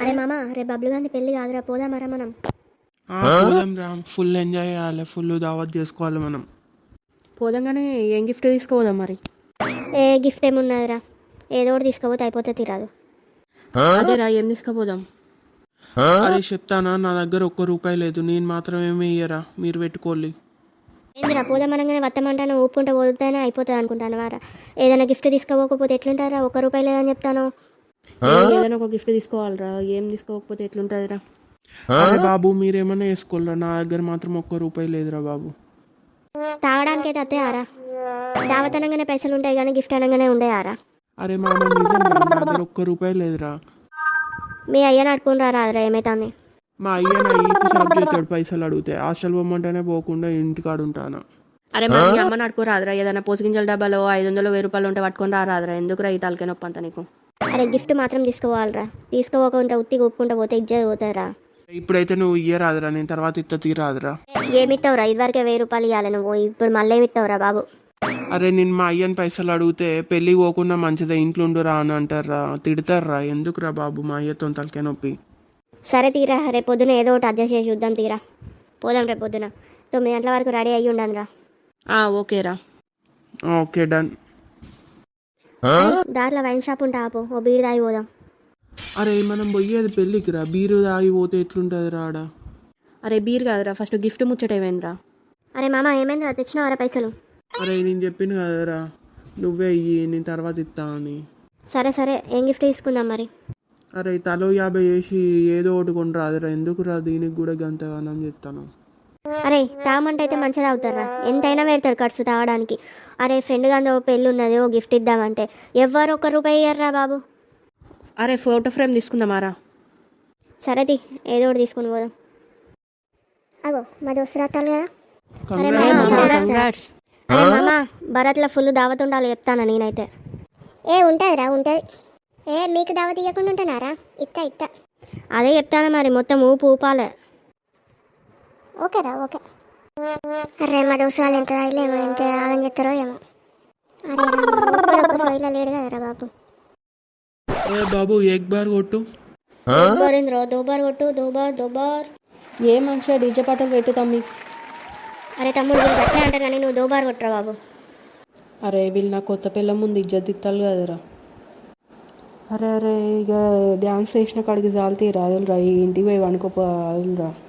అరే మామ, రేపు బబ్లు గాంధీ పెళ్లి కాదురా, పోదామరా మనం. పోదాం రా, ఫుల్ ఎంజాయ్ చేయాలి, ఫుల్ దావత్ చేసుకోవాలి మనం. పోదాం. ఏం గిఫ్ట్ తీసుకోపోదాం మరి? ఏ గిఫ్ట్ ఏమున్నదిరా, ఏదో ఒకటి తీసుకోపోతే అయిపోతే తీరాదు. అదేరా, ఏం తీసుకుపోదాం? అదే చెప్తానా, నా దగ్గర ₹1 లేదు, నేను మాత్రం ఏమి ఇయ్యరా, మీరు పెట్టుకోవాలి. ఏందిరా, పోదామనగానే వత్తమంటాను, ఊపుకుంటే పోతేనే అయిపోతుంది అనుకుంటాను వారా. ఏదైనా గిఫ్ట్ తీసుకోకపోతే ఎట్లుంటారా? ₹1 లేదని చెప్తాను. ఏదైనా ఒక గిఫ్ట్ తీసుకోవాలరా, ఏం తీసుకోకపోతే ఎట్లుంటుందిరా? అరే బాబు, మీరేమన్నా వేసుకోలేరా, నా దగ్గర మాత్రం ₹1 లేదురా బాబు. తాగడానికి అయితే అత్తయ్యారా, దావత్ అనగానే పైసలు ఉంటాయి కానీ గిఫ్ట్ అనగానే ఉండేయారా? అరే మామ, నిజం రా, నా దగ్గర ₹1 లేదురా. మీ అయ్యని అడుకుని రారా, ఏమైతుంది? మా అయ్య నా ఈపు సాగు చేస్తాడు పైసలు అడిగితే. హాస్టల్ పోమంటేనే పోకుండా ఇంటికాడు ఉంటాను. అరే మరి మీ అమ్మని అడుకోరాదురా, ఏదైనా పోసుగింజల డబ్బాలో 500 1000 ఉంటే పట్టుకొని రాదురా, ఎందుకురా ఈ తలకే నొప్పి అంతా నీకు? అరే గిఫ్ట్ మాత్రం తీసుకోవాలరా, తీసుకోకుండా ఉత్తిగా ఊపుకుంటా పోతే ఇజ్జత్ పోతారా. ఇప్పుడైతే నువ్వు ఇయ్యరాదురా, నేను తర్వాత ఇత్త తీరాదురా. ఏమిస్తావురా, ఇదివరకే ₹1000 ఇవ్వాలి నువ్వు, ఇప్పుడు మళ్ళీ ఏమిస్తావురా బాబు? అరే నేను మా అయ్యని పైసలు అడిగితే పెళ్ళి పోకుండా మంచిదే ఇంట్లో ఉండురా అని అంటారా, తిడతారా. ఎందుకురా బాబు, మా అయ్యతో తలకే నొప్పి. సరే తీరా, రేపు పొద్దున ఏదో ఒకటి అడ్జస్ట్ చేసి చూద్దాం తీరా. పోదాం రేపు పొద్దున 9 గంటల వరకు రెడీ అయ్యి ఉండాను రా. ఓకేరా. Okay done. దారిలో వైన్ షాప్ ఉంటా, ఆపు, ఓ బీర్ తాగి పోదాం. అరే మనం పోయేది పెళ్ళికి రా, బీరు తాగి పోతే ఎట్లుంటుంది రాడా? అరే బీర్ కాదురా, ఫస్ట్ గిఫ్ట్ ముచ్చటేమేంద్రా? అరే మామ, ఏమైందిరా, తెచ్చినావరా పైసలు? అరే నేను చెప్పిన కదరా, నువ్వే ఇయ్యి, నేను తర్వాత ఇస్తా అని. సరే సరే, ఏం గిఫ్ట్ తీసుకుందాం మరి? అరే తలో 50 వేసి ఏదో ఒకటి కొని రాదురా, ఎందుకురా దీనికి కూడా గంతగానం చెప్తాను. అరే తాగమంటే అయితే మంచిగా తాగుతారా, ఎంతైనా పెడతారు ఖర్చు తాగడానికి. అరే ఫ్రెండ్ గాంధీ ఓ పెళ్ళి ఉన్నది, ఓ గిఫ్ట్ ఇద్దామంటే ఎవ్వరు ₹1 ఇయ్యర్రా బాబు. అరే ఫోటో ఫ్రేమ్ తీసుకుందామారా? సరేది, ఏదో ఒకటి తీసుకుని పోదాం. అగో మా దోస్తు రాతాలు కదా. అరే మామ, భరత్లో ఫుల్ దావత్ ఉండాలి చెప్తాను నేనైతే. ఉంటుందిరా, ఉంటుంది. మీకు దావత్ ఇవ్వకుండా ఉంటున్నారా? ఇత్తా అదే చెప్తాను మరి, మొత్తం ఊపు ఊపాలే. ఓకేరా, ఓకే. అరే మా దోస్తు వాళ్ళు ఎంత తాగలేమో, ఎంత ఆగం చెప్తారో ఏమో. అరే సోయిలా లేడు కదరా బాబు. ఏ బాబు, ఏక్ బార్ కొట్టు. దోబార్ కొట్టు, దోబార్. ఏ మనిషి డీజే పాటలు పెట్టు తమ్మి. అరే తమ్ముడు, అట్లే అంటారు కానీ నువ్వు దోబార్ కొట్టరా బాబు. అరే వీళ్ళు నా కొత్త పిల్ల ముందు ఇజ్జత్ ఇత్తాలు కదరా. అరే ఇక డ్యాన్స్ చేసిన కాడికి జాలితీ రాదులరా, ఈ ఇంటికి పోయి వండుకోపోదులరా.